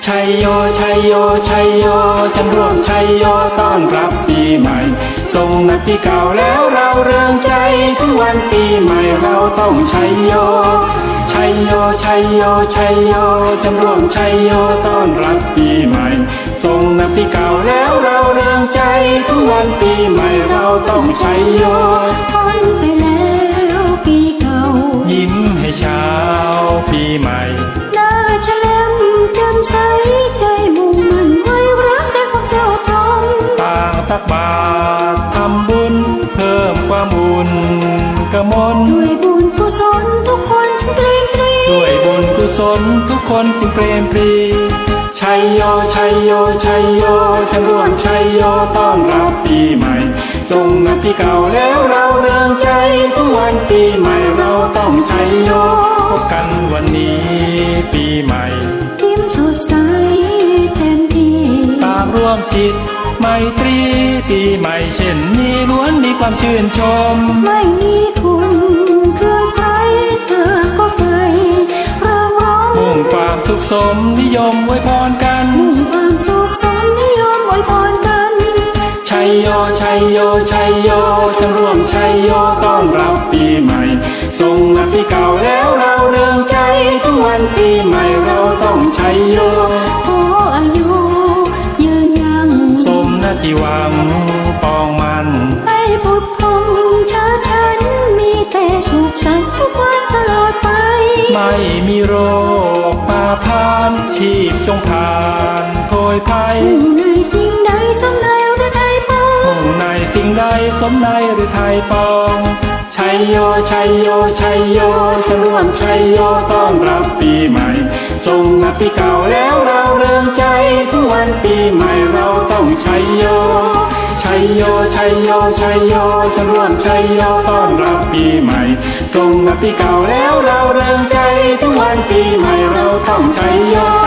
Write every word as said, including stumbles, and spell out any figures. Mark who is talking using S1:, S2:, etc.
S1: ชัยโยชัยโยชัยโยฉันร่วมชัยโยต้อนรับปีใหม่ส่งนับปีเก่าแล้วเราเริงใจถึงวันปีใหม่เราต้องชัยโยชัยโยชัยโยชัยโยฉันร่วมชัยโยต้อนรับปีใหม่ส่งนับปีเก่าแล้วเราเริงใจถึงวันปีใหม่เราต้องชัยโย
S2: พ้นไปแล้วปีเก่า
S1: ยิ้มให้เช้าปีใหม่
S2: หน้าแฉลมแจ่มใสใจมุ่งมั่นไว้รักแต่ความเจ้าทอง
S1: ต่างตักบาตรทำบุญเพิ่มความบุญกมล
S2: ด้วยบุญกุศลทุกคนจึงเปลี่ยนปรี
S1: ด้วยบุญกุศลทุกคนจึงเปลี่ยนปรีชัยโยชัยโยชัยโยฉันร่วมชัยโยต้อนรับปีใหม่ส่งนับปีเก่าแล้วเราเริงใจทุกวันปีใหม่เราต้องชัยโยพบกันวันนี้ปีใหม่
S2: ยิ้มสดใสเต็มที่
S1: ตามร่วมจิตไมตรีปีใหม่เช่นนี้ล้วนมีความชื่นชม
S2: ไม่มีคุณเครื่องใครเธอก็ไฟเริ่มร้อง
S1: มุ่งความสุขสมนิยมอวยพรกัน
S2: มุ่งความสุขสมนิยมอวยพรกัน
S1: ชัยโยชัยโยชัยโยฉันร่วมชัยโยต้อนรับปีใหม่ส่งนับปีเก่าแล้วเราเริงใจทุกวันปีใหม่เราต้องชัยโย
S2: ขออายุยืนยัง
S1: สมนาทีหวังปองมัน
S2: ให้พุทธพงชาฉันมีแต่สุขสันต์ทุกวันตลอดไป
S1: ไม่มีโรคมาพานชีพจงผ่านโพยภัย
S2: ในสิ่งใดสมในหรือไทยปอง
S1: ในสิ่งใดสมในหรือไทยปองชัยโยชัยโยชัยโยฉันร่วมชัยโยต้อนรับปีใหม่ส่งนับปีเก่าแล้วเราเริงใจทุกวันปีใหม่เราต้องชัยโยชัยโยชัยโยชัยโยฉันร่วมชัยโยต้อนรับปีใหม่ส่งนับปีเก่าแล้วเราเริงใจทุกวันปีใหม่เราต้องชัยโย